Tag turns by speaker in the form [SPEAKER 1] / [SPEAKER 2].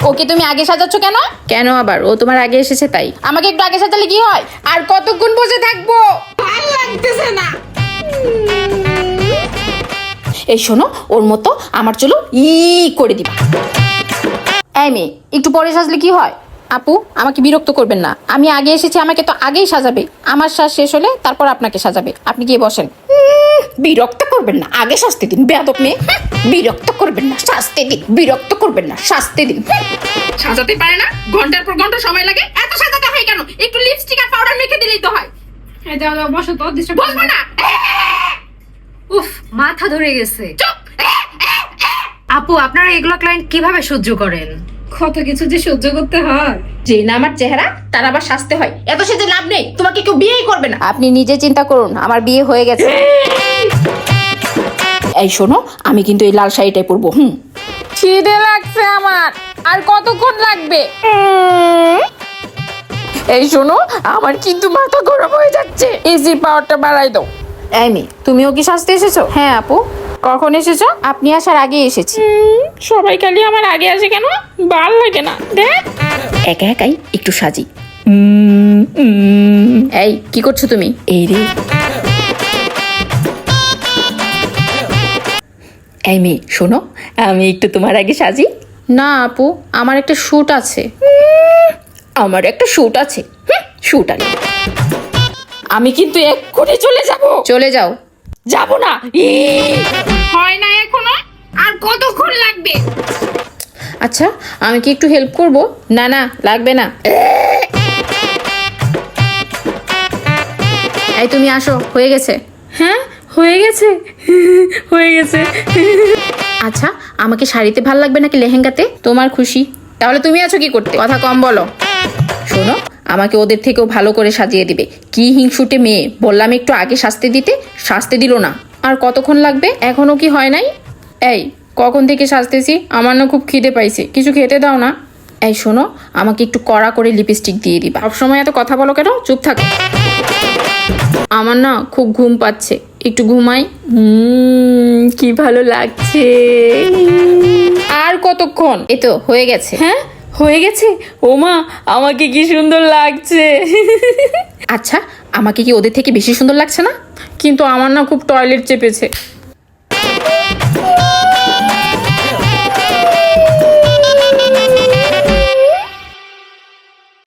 [SPEAKER 1] ওকে তুমি আগে সাজাচ্ছ কেন?
[SPEAKER 2] কেন আবার? ও তোমার আগে এসেছে তাই।
[SPEAKER 1] আমাকে একটু আগে সাজালে কি হয়? আর কতক্ষণ বসে থাকবো? ভালো লাগতেছে না। এই শোনো, ওর মতো আমার চুলো করে দিবা। এই মেয়ে, একটু পরে সাজলে কি হয়? আপু, আমাকে বিরক্ত করবেন না। আমি আগে এসেছি, আমাকে তো আগেই সাজাবে। আমার সাজ শেষ হলে তারপর আপনাকে সাজাবে। আপনি গিয়ে বসেন। বিরক্ত করবেন না, আগে সাজতে দিন। বেয়াদব মেয়ে, বিরক্ত করবেন না, সাজতে দিন। বিরক্ত করবেন না, সাজতে দিন। সাজাতে পারে না, ঘন্টার পর ঘন্টা সময় লাগে। এত সাজাতে হয় কেন? একটু লিপস্টিক আর পাউডার মেখে দিলেই তো হয়।
[SPEAKER 3] এই যাও যাও, বসো তো।
[SPEAKER 1] বসবো না।
[SPEAKER 3] উফ, মাথা ধরে গেছে।
[SPEAKER 1] চুপ।
[SPEAKER 3] আপু, আপনারা এগুলো ক্লায়েন্ট কিভাবে সহ্য করেন? কত কিছু যে সহ্য করতে হয়।
[SPEAKER 1] যে না আমার চেহারা, তার আবার সাজতে হয়। এত সেজে লাভ নেই, তোমাকে কেউ বিয়েই করবে না। আপনি নিজে চিন্তা করুন, আমার বিয়ে হয়ে গেছে। এই শোনো, আমি কিন্তু এই লাল শাড়িটাই পরবো। খিদে লাগছে আমার। আর কতক্ষণ লাগবে? এই শোনো, আমার কিন্তু মাথা গরম হয়ে যাচ্ছে। এসির পাওয়ারটা বাড়াই দাও। এই মেয়ে, তুমিও কি সাজতে এসেছো? হ্যাঁ আপু। কখন এসেছো? আপনি আসার আগে এসেছি। সবাই খালি আমার আগে আসে কেন? ভাল লাগে না। দেখ, একা একাই একটু সাজি। এই কি করছো তুমি? এই রে, এই মেয়ে শোনো, আমি একটু তোমার আগে সাজি। না আপু, আমার একটা শুট আছে। আমার একটা শুট আছে। শুট আনি। আমি কিন্তু এক্ষুনি চলে যাব। চলে যাও। যাব না। হয় না এখনো? আর কতক্ষণ লাগবে? আচ্ছা, আমি কি একটু হেল্প করব? না না, লাগবে না। এই তুমি আসো, হয়ে গেছে। হ্যাঁ, হয়ে গেছে। হয়ে গেছে। আচ্ছা, আমাকে শাড়িতে ভাল লাগবে নাকি লেহেঙ্গাতে? তোমার খুশি। তাহলে তুমি আছো কি করতে? কথা কম বলো। শোনো, আমাকে ওদের থেকেও ভালো করে সাজিয়ে দিবে। কি হিংসুটে মেয়ে, বললাম একটু আগে সাজতে দিতে, সাজতে দিল না। আর কতক্ষণ লাগবে? এখনো কি হয় নাই? এই কখন থেকে সাজতেছি, আমার না খুব খিদে পাইছে, কিছু খেতে দাও না। এই শোনো, আমাকে একটু কড়া করে লিপস্টিক দিয়ে দিবা। সবসময় এত কথা বলো কেন? চুপ থাকো। আমার না খুব ঘুম পাচ্ছে, একটু ঘুমাই। কি ভালো লাগছে। আর কতক্ষণ? এই তো হয়ে গেছে। হ্যাঁ, হয়ে গেছে। ওমা, আমাকে কি সুন্দর লাগছে। আচ্ছা, আমাকে কি ওদের থেকে বেশি সুন্দর লাগছে না? কিন্তু আমার না খুব টয়লেট চেপেছে।